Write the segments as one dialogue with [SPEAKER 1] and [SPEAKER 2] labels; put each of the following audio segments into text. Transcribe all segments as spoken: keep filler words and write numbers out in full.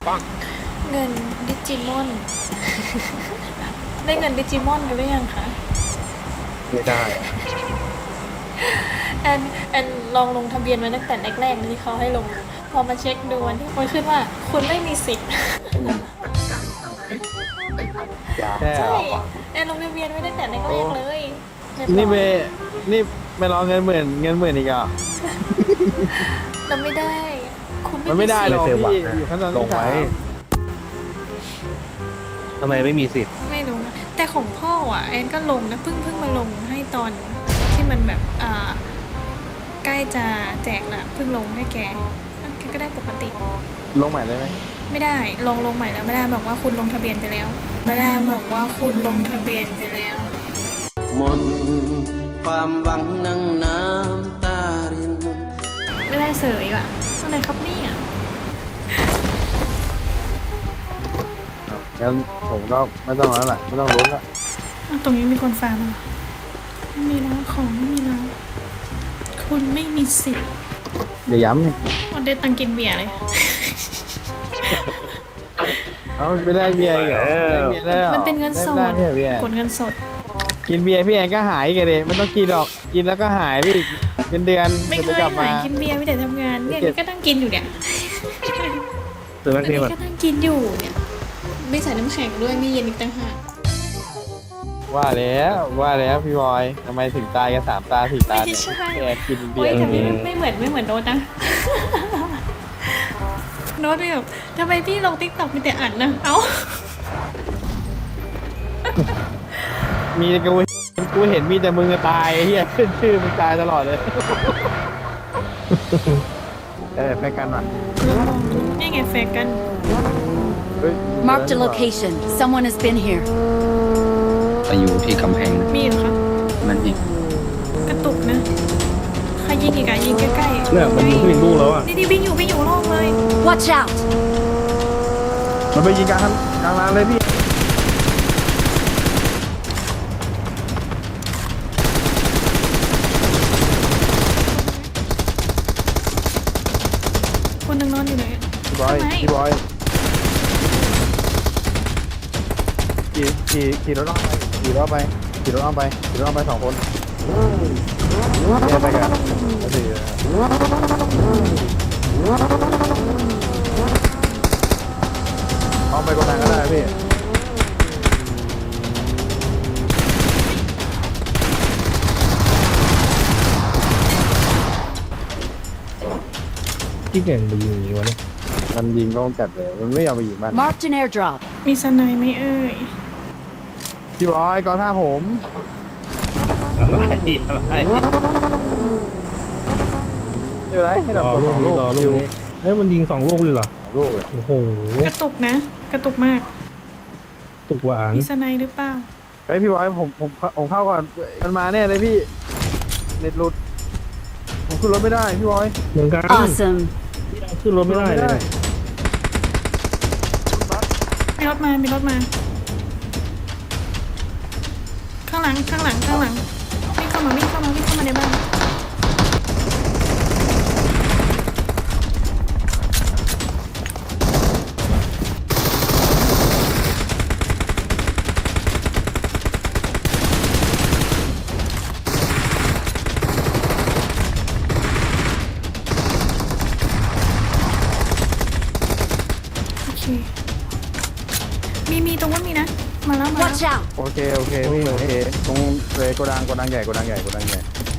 [SPEAKER 1] เงินดิจิมอน ได้เงินดิจิมอนกันหรือยังคะ
[SPEAKER 2] ไม่ได้
[SPEAKER 1] แอนแอนลองลงทะเบียนไว้ตั้งแต่แรกๆที่เขาให้ลง พอมาเช็คดูวันที่มันขึ้นว่าคุณไม่มีสิทธิ์
[SPEAKER 2] แค่
[SPEAKER 1] ใช่แอนลงทะเบียนไว้ตั้งแต่แรกๆเลยรียบร้อย
[SPEAKER 2] นี่เมนี่ไม่รอเงินหมื่นเงินหมื่นอีกอ่ะ
[SPEAKER 1] เราไม่ได้ คุณ
[SPEAKER 2] มันไม่ได้หรอก
[SPEAKER 3] ไม่เคยหวัง
[SPEAKER 2] พี่
[SPEAKER 3] นะ
[SPEAKER 2] อยู่ขั้นตอน
[SPEAKER 3] ลงไว้ ทำไมไม่มีสิทธิ์
[SPEAKER 1] ไม่รู้นะแต่ของพ่ออ่ะแอนก็ลงนะเพิ่งเพิ่งมาลงให้ตอนที่มันแบบอ่าใกล้จะแจกละเพิ่งลงให้แกแกก็ได้ปกติ
[SPEAKER 2] ลงใหม่เลยไหม
[SPEAKER 1] ไม่ได้ลงลงใหม่แล้วไม่ได้บอกว่าคุณลงทะเบียนไปแล้วไม่ได้บอกว่าคุณลงทะเบียนไปแล้ว
[SPEAKER 4] มนความหวังนั่งน้ำตาริน
[SPEAKER 1] ไม่ได้เสยว่ะอะไรครับเนี่ย
[SPEAKER 2] งั้นผมก็ไม่ต้องแล้วแหละไม่ต้องลุ้นละ
[SPEAKER 1] อ้าวตรงนี้มีคนฟาร์มเหรอไม่มีแล้วของไม่มีแล้วคุณไม่มีสิทธิ์
[SPEAKER 2] เดี๋ยวย้ำนี่
[SPEAKER 1] วันเดตังกินเบียร์เลย
[SPEAKER 2] เอาไม่ได้เบียร์อีกเหรอได้เบียร์แล้ว
[SPEAKER 1] มันเป็นเงินสด
[SPEAKER 2] ได้ไม่ได้เบียร์
[SPEAKER 1] กดเงินสด
[SPEAKER 2] กินเบียร์พี่แอนก็หายกันเลยไม่ต้องกินหรอกกินแล้วก็หายไปอีกเป็นเดือน
[SPEAKER 1] ไม่เค
[SPEAKER 2] จะ
[SPEAKER 1] ย
[SPEAKER 2] กลับ
[SPEAKER 1] หาม
[SPEAKER 2] าย
[SPEAKER 1] กินเบียร์ไม่แต่ทำงานเนี่ยนี่ก็นั่งกินอยู่เนี่ย
[SPEAKER 3] ซื้อแม็
[SPEAKER 1] อั
[SPEAKER 3] ก
[SPEAKER 1] น
[SPEAKER 3] ซี่
[SPEAKER 1] นี้
[SPEAKER 3] มัน
[SPEAKER 1] ก็นั่งกินอยู่เนี่ยไม่ใส่น้ำแข็งด้วยไม่เย็นอีกต่างหาก
[SPEAKER 2] ว่าแล้วว่าแล้วพี่บอยทำไมถึงตายกันสามตาสี่ตา
[SPEAKER 1] ไม่
[SPEAKER 2] เนี่ย
[SPEAKER 1] ใช่
[SPEAKER 2] พี่แอนกินเบี
[SPEAKER 1] โอ้
[SPEAKER 2] ย
[SPEAKER 1] ย
[SPEAKER 2] ร์
[SPEAKER 1] แต่ไม่ไม่เหมือนไม่เหมือนโน้ตนะ โน้ตแบบทำไมพี่ลงติ๊กต็อกมีแต่อัดนะเอ้า
[SPEAKER 2] มีแต่กูกูเห็นมีแต่มึงจะตายไอ้เฮียขึ้นชื่อมึงตายตลอดเลย เออไปกันหน่อย
[SPEAKER 1] นี่ไงแฟนกัน
[SPEAKER 2] เฮ้ย
[SPEAKER 5] Marked a location. Someone has been here.
[SPEAKER 6] ไปอยู่ที่กำแพงนะ
[SPEAKER 1] มีเหรอคะ
[SPEAKER 6] มันยิง
[SPEAKER 1] กระตุกนะใครยิงอีกอะยิงใกล้ๆ
[SPEAKER 3] เนี่ยมันยิงผู้หญิงลูกแล้วอ่ะ
[SPEAKER 1] นี่นี่วิ่งอยู่วิ่งอยู่รอบเลย
[SPEAKER 5] Watch out!
[SPEAKER 2] มันไปยิงกลางครับกลางร้านเลยพี่
[SPEAKER 1] คนหนึงนอนอยู่ไหนอะ
[SPEAKER 2] พี่บอย
[SPEAKER 1] ทำไม
[SPEAKER 2] พี่บอยขี่ขี่ขี่รถอ้อมไปขี่รถอ้อมไปขี่รถอ้อมไปขี่รถอ้อมไปสองคนเนี่ยไปกันแล้วสี่อ้อมไปกดดังก็ได้พี่
[SPEAKER 3] ที่เก่งไปยิงอย่างนี้วะเนี่ย
[SPEAKER 2] มันยิงก็จัดเลย มันไม่ยอมไปยิงมัน
[SPEAKER 5] Marked an airdrop.
[SPEAKER 1] มีสไนไหมเอ่ย
[SPEAKER 2] พี่บอยก่อนท่าผม
[SPEAKER 3] อะไรอะไร
[SPEAKER 2] ไม่เป็นไรให้
[SPEAKER 3] ร
[SPEAKER 2] เรา
[SPEAKER 3] อ
[SPEAKER 2] กด
[SPEAKER 3] ลู
[SPEAKER 2] ส
[SPEAKER 3] ก
[SPEAKER 2] อง
[SPEAKER 3] นี้
[SPEAKER 2] ลูก
[SPEAKER 3] รอลูกนี้เฮ้ยมันยิงสองลูกเลยเหรอ
[SPEAKER 2] ลูกเลย
[SPEAKER 3] โอ้โห
[SPEAKER 1] กระตุกนะ กระตุกมาก
[SPEAKER 3] ตุกหวาน
[SPEAKER 1] มีสไนหรือเปล่า
[SPEAKER 2] เฮ้ยพี่บอยผมผมผมเข้าก่อนมันมาแน่เลยพี่เน็ตหลุดผมขึ้นรถไม่ได้พี่บอย
[SPEAKER 3] เหมือนกัน
[SPEAKER 5] Awesome.
[SPEAKER 3] ขึ้นรถไม่ได้เลย
[SPEAKER 1] มีรถมา มีรถมา ข้างหลัง ข้างหลัง ข้างหลัง วิ่งเข้ามา วิ่งเข้ามา วิ่งเข้ามาในบ้าน โอเค มี มีตรงนู้นมีนะ มาแล้ว มาแล้ว
[SPEAKER 5] Watch out!
[SPEAKER 2] โอเคโอเคพี่โอเคตรงเลยโกดังโกดังใหญ่โกดังใหญ่โกดังใหญ่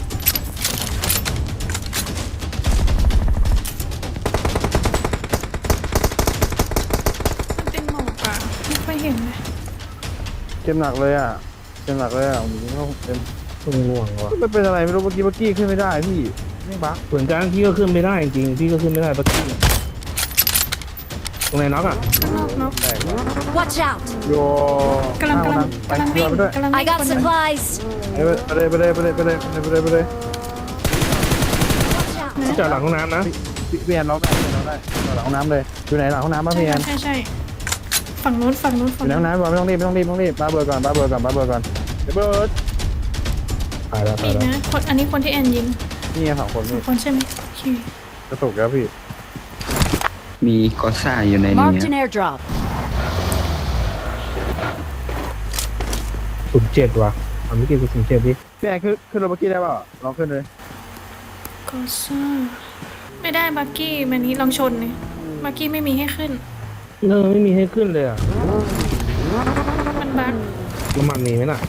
[SPEAKER 1] มันเป็นหมอกอะไม่ค่อยเห็นเลย
[SPEAKER 2] เจ็บหนักเลยอ่ะเจ็บหนักเลยอ่ะผมก็เต็ม
[SPEAKER 3] ต้องง่วงว่ะ
[SPEAKER 2] ไม่เป็นอะไรไม่รู้เมื่อกี้เมื่อกี้ขึ้นไม่ได้พี่ไม่บัก
[SPEAKER 3] เหมือนกันพี่ก็ขึ้นไม่ได้จริงพี่ก็ขึ้นไม่ได้ปะกี้ตรงไหนน็อกอ่ะ
[SPEAKER 1] ข้างนอกนก
[SPEAKER 2] แตก
[SPEAKER 5] Watch out!
[SPEAKER 2] โย
[SPEAKER 1] กำลังกำลัง
[SPEAKER 2] ไป
[SPEAKER 1] กำลัง
[SPEAKER 2] เรือ
[SPEAKER 1] วิ่ง
[SPEAKER 2] ไปด้วย
[SPEAKER 1] กำลังวิ่
[SPEAKER 5] I
[SPEAKER 1] ง
[SPEAKER 5] got
[SPEAKER 1] คนหนึ่ง
[SPEAKER 5] supplies.
[SPEAKER 2] ไปเลยไปเลยไปเลยไปเลยไปเลยไปเลยไปเลย
[SPEAKER 5] Watch out!
[SPEAKER 3] จอดหลังห้องน้ำนะ
[SPEAKER 2] พี่พี่แอนล็อกได้พี่แอนล็อกได้หลังห้องน้ำเลยอยู่ไหนหลังห้องน้ำบ้าง
[SPEAKER 1] ใช่
[SPEAKER 2] พี่แอน
[SPEAKER 1] ใช่ใช่ฝั่งนู้นฝั่งนู้น
[SPEAKER 2] อ
[SPEAKER 1] ฝั่ง
[SPEAKER 2] ยู่ในห้องน้ำก่อนไม่ต้องรีบไม่ต้องรีบไม่ต้องรีบบ้าเบอร์ก่อนบ้าเบอร์ก่อนบ้าเบอร์ก่อนเดี๋ยวเบิร์ด
[SPEAKER 3] ตายแล้ว
[SPEAKER 1] มี
[SPEAKER 3] ตายแล้ว
[SPEAKER 1] นะคนอันนี้คนที่แอนยิง
[SPEAKER 2] นี่ไงสองคน
[SPEAKER 1] สอ
[SPEAKER 2] นี่
[SPEAKER 1] งคนใช่ไหมโอเค
[SPEAKER 2] กระตุกแล้วพี่
[SPEAKER 6] มีกอซ่าอยู่ในนี้
[SPEAKER 5] Marked an
[SPEAKER 6] อะ
[SPEAKER 5] airdrop.
[SPEAKER 3] ศูนย์เจ็ดว่ะเอาไม่กี่ศูนย์เจ็ดดิ
[SPEAKER 2] พี่แอนขึ้นขึ้นรถเมื่อกี้ได้เปล่าลองขึ้นเลย
[SPEAKER 1] ก็ซ่าไม่ได้บักกี้มันนี้ลองชนเลยบักกี้ไม่มีให้ขึ้น
[SPEAKER 3] เออไม่มีให้ขึ้นเลยอ่ะ
[SPEAKER 1] มันบัก
[SPEAKER 3] น้ำมันมีไหมน่ะ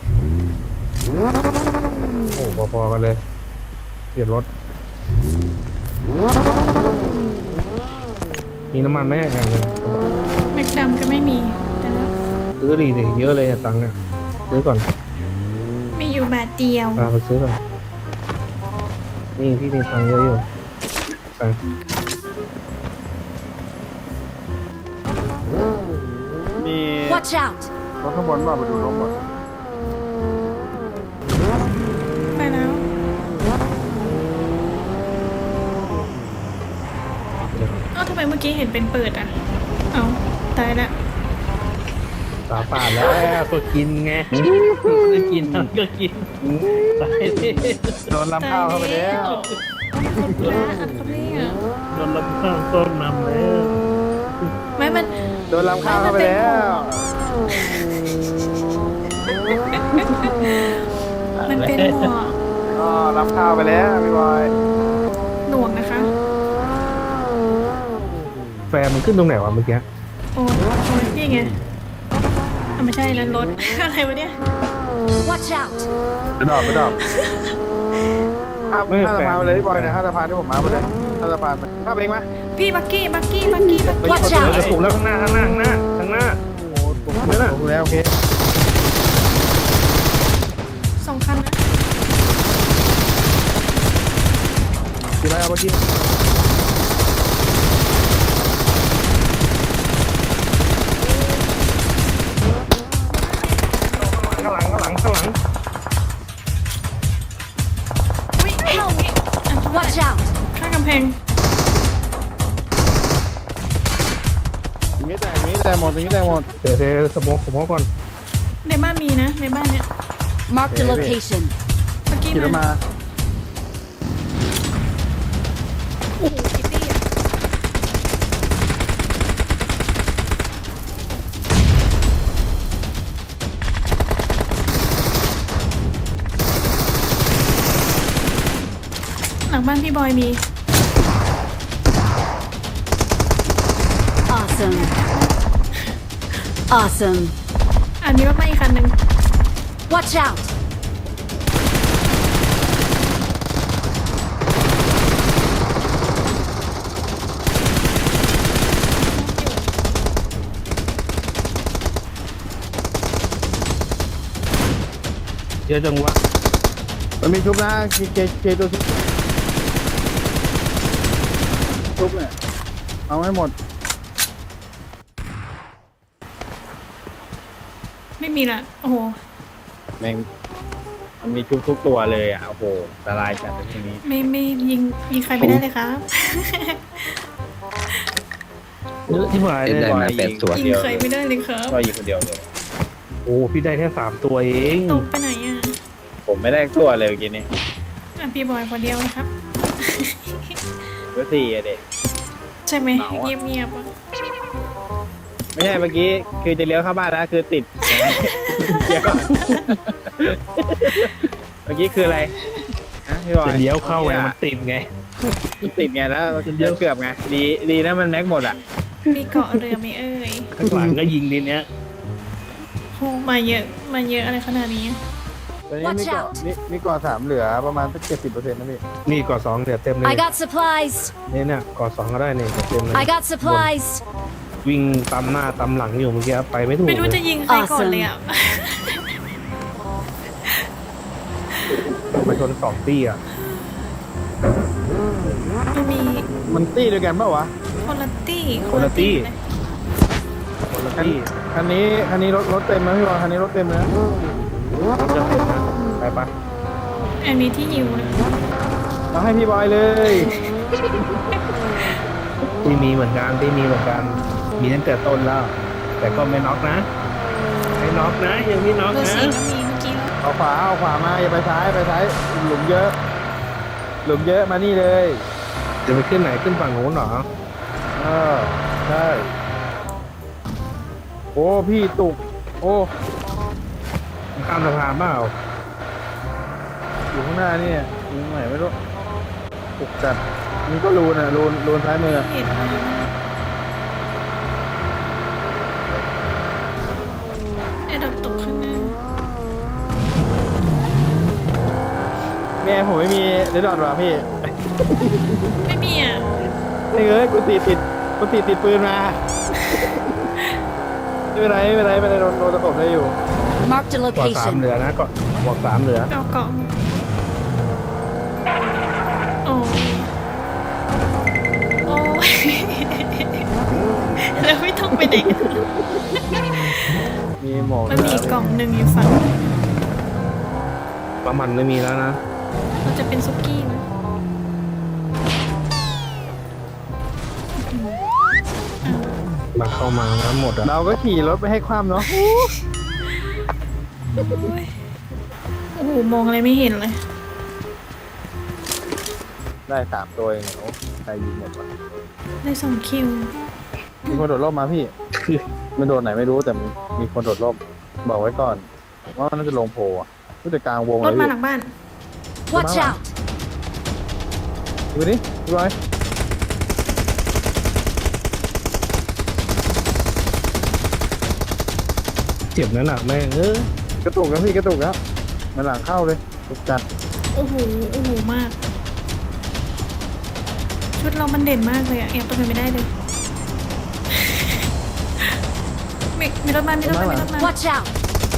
[SPEAKER 3] โอ้พอๆกันเลยเปลี่ยนรถมีน้ำมันไหมอย่างเงี้ย
[SPEAKER 1] แม็กดำก็ไม่มีแต่ว่า
[SPEAKER 3] ซื้อดีดิเยอะเลยอะตังค์เนี่ยซื้อก่อน
[SPEAKER 1] มีอยู่บาทเดียว
[SPEAKER 3] พาไปซื้อก่อนนี่พี่มีตังค์เยอะอยู่ไป
[SPEAKER 2] มี
[SPEAKER 5] Watch out!
[SPEAKER 2] รถข้างบนว่าไปดูรถหมด
[SPEAKER 1] ไปแล้วเอ้าทำไมเมื่อกี้เห็นเป็นเปิดอ่ะ เอาตายละ
[SPEAKER 3] ตาปาดแล้วก็กินไงไม่กินก็กินตายดิ
[SPEAKER 2] โดนลำข้าวเข้าไปแล้ว
[SPEAKER 1] คนพระอันเขาเรียก
[SPEAKER 3] โดนลำข้างต้นนำแล้ว
[SPEAKER 1] ไม่มัน
[SPEAKER 2] โดนลำข้าวเข้าไปแล้ว
[SPEAKER 1] มันเป็นหมวก
[SPEAKER 2] ก็ลำข้าวไปแล้วพี่บอย
[SPEAKER 1] หนวกนะคะ
[SPEAKER 3] แฟนมันขึ้นตรงไหนวะเมื่อกี้
[SPEAKER 1] โอ้ยโอ้ยนี่ไงอ่ะไม่ใช่นั้นรถ อะไรวะเนี่ย
[SPEAKER 5] Watch out!
[SPEAKER 2] ไปดอกไปดอกข้ามข้ามสะพานไปเลยพี่บอยนะข้ามสะพานที่ผมมาไปเลยข้ามสะพานไปข้ามเองไหม
[SPEAKER 1] พี่บักกี้บักกี้บักกี้บักกี้
[SPEAKER 5] Watch
[SPEAKER 3] เดี๋ยว
[SPEAKER 5] out!
[SPEAKER 3] จะถูกแล้วข้างหน้าข้างหน้าข้างหน้าข้างหน้า
[SPEAKER 2] โอ้โหผมถูกแล้วโอเค
[SPEAKER 1] สองคันนะ
[SPEAKER 2] กี่ไรเอาเมื่อกี้
[SPEAKER 3] ข้างหลังข้างหลังข้างหลัง
[SPEAKER 1] อุ้ยเข้าอย่างงี้อ่ะ
[SPEAKER 5] Watch out!
[SPEAKER 1] ข้างกำแพง
[SPEAKER 2] อย่างนี้แต่อย่างนี้แต่หมดอย่างนี้แต่หมด
[SPEAKER 3] เดี๋ยวเดี๋ยวสโมกสโมกก่อน
[SPEAKER 1] ในบ้านมีนะ ในบ้านเนี้ย
[SPEAKER 5] Marked a
[SPEAKER 2] Baby.
[SPEAKER 5] location.
[SPEAKER 1] บักกี้
[SPEAKER 2] ขี่รถ
[SPEAKER 1] มา
[SPEAKER 2] มา
[SPEAKER 1] โอ้โหคิตตี้อ่ะหลังบ้านพี่บอยมี
[SPEAKER 5] Awesome. Awesome.
[SPEAKER 1] อ่ะมีรถมาอีกคันหนึ่ง
[SPEAKER 5] Watch out!
[SPEAKER 3] เยอะจังวะ
[SPEAKER 2] มันมีชุบนะเคเคเคตัวชุบชุบเนี่ยเอาให้หมด
[SPEAKER 1] ไม่มีละโอ้โห
[SPEAKER 7] แม่งมันมีทุกทุกๆตัวเลยอ่ะ โอ้โหอันตรายจัดเลยทีนี้
[SPEAKER 1] ไม่ไม่ยิงยิงใครไม่ได้เลยครับ
[SPEAKER 3] เยอะที่หาย
[SPEAKER 6] เอ็ด
[SPEAKER 3] เลย
[SPEAKER 6] ได้มาแปดตัว
[SPEAKER 1] ยิงใครไม่ได้เลยครับ
[SPEAKER 7] ก็ยิงคนเดียวเลย
[SPEAKER 3] โอ้พี่ได้แค่สามตัวเอง
[SPEAKER 1] ตกไปไหนอ่ะ
[SPEAKER 7] ผมไม่ได้ตัวเลยเมื่อกี้นี้
[SPEAKER 1] อ่ะพี่บอยคนเดียวนะครับ
[SPEAKER 7] ตัวสี่อะเด็ก
[SPEAKER 1] ใช่ไหม
[SPEAKER 7] เหงาอะ
[SPEAKER 1] เงียบเงียบๆอ่ะ
[SPEAKER 7] ไม่ใช่เมื่อกี้คือจะเลี้ยวเข้าบ้านแล้วคือติด เดี๋ยวก่อนเมื่อกี้คืออะไรฮะพี่บอย
[SPEAKER 3] จะเลี้ยวเข้าไงมันติดไง
[SPEAKER 7] ติดไงแล้วเลี้ยวเกือบไงดีดีนะมันแม็กหมดอ่ะ
[SPEAKER 1] มีเกาะเรือไหมเอ่ย
[SPEAKER 3] ข้างหลังก็ยิงทีเนี้ย
[SPEAKER 1] โหมาเยอะมาเยอะอะไรขนาดนี้
[SPEAKER 2] ตอนนี้มี
[SPEAKER 5] Watch
[SPEAKER 2] เกาะ
[SPEAKER 5] out
[SPEAKER 2] มีมีเกาะสามเหลือประมาณสักเจ็ดสิบเปอร์เซ็นต์นะพี่
[SPEAKER 3] นี่ก่อสองเดี๋ยวเต็มเลย
[SPEAKER 5] I got supplies.
[SPEAKER 3] นี่เนี่ยก่อสองก็ได้นี่เดี๋ยวเต็มเลย
[SPEAKER 5] I got supplies.
[SPEAKER 3] วิ่งตามหน้าตามหลังอยู่เมื่อกี้ไปไม่ถูก
[SPEAKER 1] ไม่รู้
[SPEAKER 3] เล
[SPEAKER 1] จะ
[SPEAKER 3] ย
[SPEAKER 1] ยิงใครก่อนเลยอ่ะ
[SPEAKER 3] มาชนสองตี้อ่ะ
[SPEAKER 1] มันมี
[SPEAKER 2] มันตี้ด้วยกันเปล่าวะ
[SPEAKER 1] คนละตี้
[SPEAKER 3] คนละตี้
[SPEAKER 1] เลย
[SPEAKER 3] คนละตี้
[SPEAKER 2] คันนี้คันนี้รถรถเต็มนะพี่บอยคันนี้รถเต็มเลยนะ
[SPEAKER 3] จะเต็มนะไปปะ
[SPEAKER 1] อันนี้ที่ยิวนะ
[SPEAKER 2] เอาให้พี่บอยเลย
[SPEAKER 3] ที่มีเหมือนกันที่มีเหมือนกัน มีตั้งแต่ต้นแล้ว แต่ก็ไม่น็อกนะไม่น็อกนะยังไม่น็อก
[SPEAKER 1] เบอร์
[SPEAKER 3] นะ
[SPEAKER 1] สี่ก็มีเมื่อกี้แล้ว
[SPEAKER 2] เอาขวาเอาขวามาอย่าไปซ้ายไปซ้ายหลุมเยอะ หลุมเยอะมานี่เลย
[SPEAKER 3] จะไปขึ้นไหนขึ้นฝั่งโน้นเหรอ
[SPEAKER 2] เออใช่โอ้พี่ตุกโอ้
[SPEAKER 3] มันข้ามสะพานเปล่า
[SPEAKER 2] อยู่ข้างหน้านี่อยู่ตรงไหนไม่รู้ตุกจัดนี่ก็รูนอ่ะรูนรูนซ้ายมือ
[SPEAKER 1] เห็นเลยไอ้ดอกตกข้างหน้า
[SPEAKER 2] แม่ผมไม่มีเรดดอทว่ะพี่
[SPEAKER 1] ไม่มีอ่ะ
[SPEAKER 2] นี่เอ้ยกูตีติดกูตีติดปืนมา ไม่เป็นไรไม่เป็นไรไม่เป็นไรโดนโดนตะกบได้อยู่
[SPEAKER 5] Marked a
[SPEAKER 3] กอดสาม
[SPEAKER 5] location.
[SPEAKER 3] เหลือนะกอดบอกสามเหลือ
[SPEAKER 1] เอาเกาะโอ้ยโอ้ย แล้วไม่ต้องไปไหนกัน
[SPEAKER 2] มีหมอก
[SPEAKER 1] มันมีอีกกล่องหนึ่งอยู่ฝั่ง
[SPEAKER 3] ประมันไม่มีแล้วนะ
[SPEAKER 1] มันจะเป็นซุกี้ไหม
[SPEAKER 3] มาเข้ามาทั้งหมดอะ
[SPEAKER 2] เราก็ขี่รถไปให้ความเนาะ
[SPEAKER 1] โอ้โหมองอะไรไม่เห็นเลย
[SPEAKER 2] ได้สามตัวเองโอ้ใครยิงหมดวะ
[SPEAKER 1] ได้สองคิว
[SPEAKER 2] มีคนโดดร่มมาพี่ มันโดดไหนไม่รู้แต่มีคนโดดร่มบอกไว้ก่อนว่ามันน่าจะลงโพอ่ะผู้จัดกลางวง
[SPEAKER 1] ร
[SPEAKER 2] เล
[SPEAKER 1] ถ
[SPEAKER 2] ย
[SPEAKER 1] มา
[SPEAKER 2] พี่
[SPEAKER 1] หลังบ้าน
[SPEAKER 5] Watch out!
[SPEAKER 2] ดูดิดูไว้
[SPEAKER 3] เจ็บนั่นหนักแม่งเออก
[SPEAKER 2] ระตุกแล้วพี่กระตุกแล้วมันหลังเข้าเลยตุกจัด
[SPEAKER 1] โอ้โห โอ้โห มาก ชุดเรามันเด่นมากเลยอะแอบตัวไปไม่ได้เลย มีมีรถมา มีรถมา มีรถมา
[SPEAKER 5] Watch out!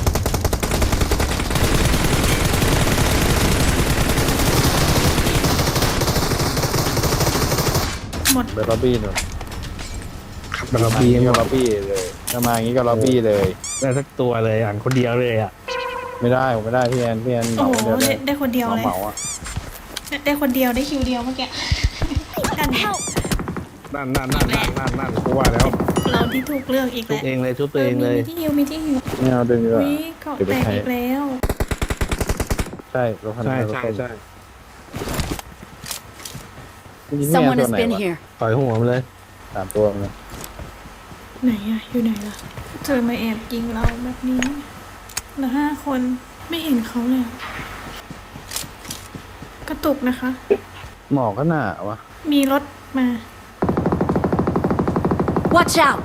[SPEAKER 1] หมด
[SPEAKER 2] เบอร์ล็อบบี้หนู
[SPEAKER 3] ขับมาระ
[SPEAKER 2] มา
[SPEAKER 3] บี
[SPEAKER 2] อย่างนี้
[SPEAKER 3] หม
[SPEAKER 2] ก็
[SPEAKER 3] ด
[SPEAKER 2] ล็อบบี้เลยถ้ามาอย่างนี้ก็ล็อบบี้เลย
[SPEAKER 3] ได้สักตัวเลยอ่านคนเดียวเลยอ่ะ
[SPEAKER 2] ไม่ได้ผมไม่ได้พี่แอนพี่แอนเห
[SPEAKER 1] โอ้
[SPEAKER 2] มา
[SPEAKER 1] โห
[SPEAKER 2] คนเดียว
[SPEAKER 1] ได้
[SPEAKER 2] เลย
[SPEAKER 1] ได้คนเดียวเลย
[SPEAKER 2] เหมาๆอ่ะ
[SPEAKER 1] ได้คนเดียว ได้คิวเดียวเมื่อกี้กัน
[SPEAKER 5] Help!
[SPEAKER 3] นั่นนั่นนั่นนั่นนั่นนั่นกูว่าแล้ว
[SPEAKER 1] เราที่ถูกเลือกอีก
[SPEAKER 3] ชุบ
[SPEAKER 1] แล้ว
[SPEAKER 3] เองเลยชุบตัวเองเลย
[SPEAKER 1] มีที่ฮิวมีที่ฮิว
[SPEAKER 2] ไม่เอาดึงดีกว่า
[SPEAKER 1] วิเกาะแตกอีกแล้ว
[SPEAKER 2] ใช่รถคัน
[SPEAKER 3] ใช่
[SPEAKER 2] นี้รถ
[SPEAKER 3] ใช่
[SPEAKER 2] คันนี้
[SPEAKER 3] ใช่
[SPEAKER 2] จริงๆ
[SPEAKER 5] Someone
[SPEAKER 2] เนี่
[SPEAKER 5] has
[SPEAKER 2] ยตัว
[SPEAKER 5] been
[SPEAKER 2] ไหนวะ
[SPEAKER 5] here.
[SPEAKER 3] ต่อยหัวมันเลย
[SPEAKER 2] สามตัวเลย
[SPEAKER 1] ไหนอะอยู่ไหนล่ะเจอมาแอบยิงเราแบบนี้เหลือห้าคนไม่เห็นเขาเลย กระตุกนะคะ
[SPEAKER 2] หมอกก็หนาวะ
[SPEAKER 1] มีรถมา
[SPEAKER 5] Watch out!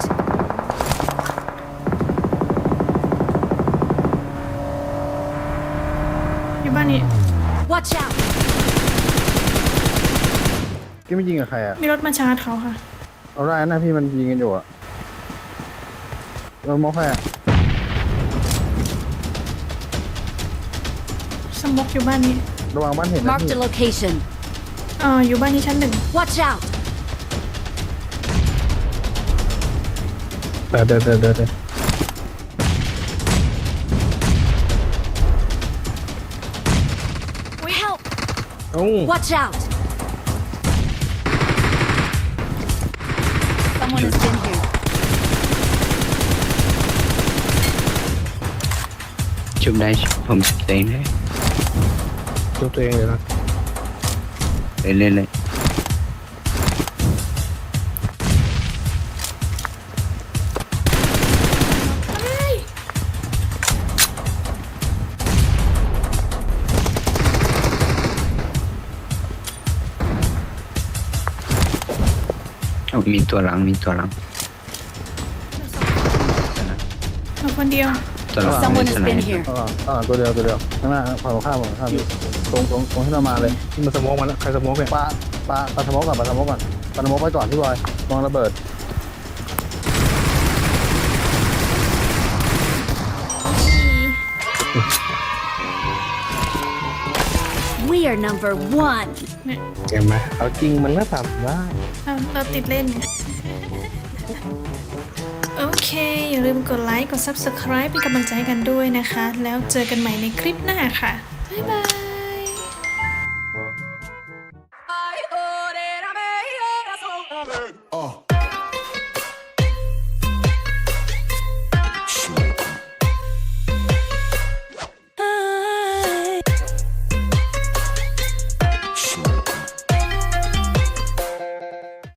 [SPEAKER 1] อยู่บ้านนี้
[SPEAKER 5] Watch out!
[SPEAKER 2] พี่ไม่ยิงกับใครอ่ะ
[SPEAKER 1] มีรถมาชาร์จเขาค่ะ
[SPEAKER 2] เอาได้นะพี่มันยิงกันอยู่อ่ะเรามองใครอ่ะ
[SPEAKER 1] สมบกอยู่บ้านนี้
[SPEAKER 2] ระวังบ้านเห็นนะ
[SPEAKER 5] Marked
[SPEAKER 2] พี่
[SPEAKER 5] a location.
[SPEAKER 1] เอออยู่บ้านนี้ชั้นหนึ่ง
[SPEAKER 5] Watch out!
[SPEAKER 3] เดินเดินเดินเดินเดิน
[SPEAKER 5] Help!
[SPEAKER 3] โอ้
[SPEAKER 5] Watch out! Someone has been here.
[SPEAKER 6] ชุบได้ผมชุบตัวเองได้
[SPEAKER 3] ชุบตัวเองเลยนะ
[SPEAKER 6] เลยเลยเลย โอ้มีตัวหลังมีตัวหลัง
[SPEAKER 1] เราคนเดียว
[SPEAKER 6] ตัวหลัง
[SPEAKER 5] Someone
[SPEAKER 6] มี
[SPEAKER 5] has
[SPEAKER 6] สไน
[SPEAKER 5] been
[SPEAKER 6] เปอร์
[SPEAKER 5] here.
[SPEAKER 2] ข้างหลังข้างหลังตัวเดียวตัวเดียวข้างหน้าฝั่งตรงข้ามฝั่งตรงข้ามตรงตรงตรงที่เรามาเลย
[SPEAKER 3] ที่มันสโมองมันแล้วใครสโมองเนี่ย
[SPEAKER 2] ปลาปลาปลาสโมกก่อนปลาสโมกก่อนปลาสโมกไปก่อนพี่บอยมองระเบิด
[SPEAKER 5] We are number one.
[SPEAKER 1] เนี่ย
[SPEAKER 3] เห็นไหมเอาจริงมันก็ทำได้
[SPEAKER 1] เราเราติดเล่นไง โอเค อย่าลืมกดไลค์ กด Subscribe เป็นกำลังใจให้กันด้วยนะคะ แล้วเจอกันใหม่ในคลิปหน้าค่ะ บ๊ายบาย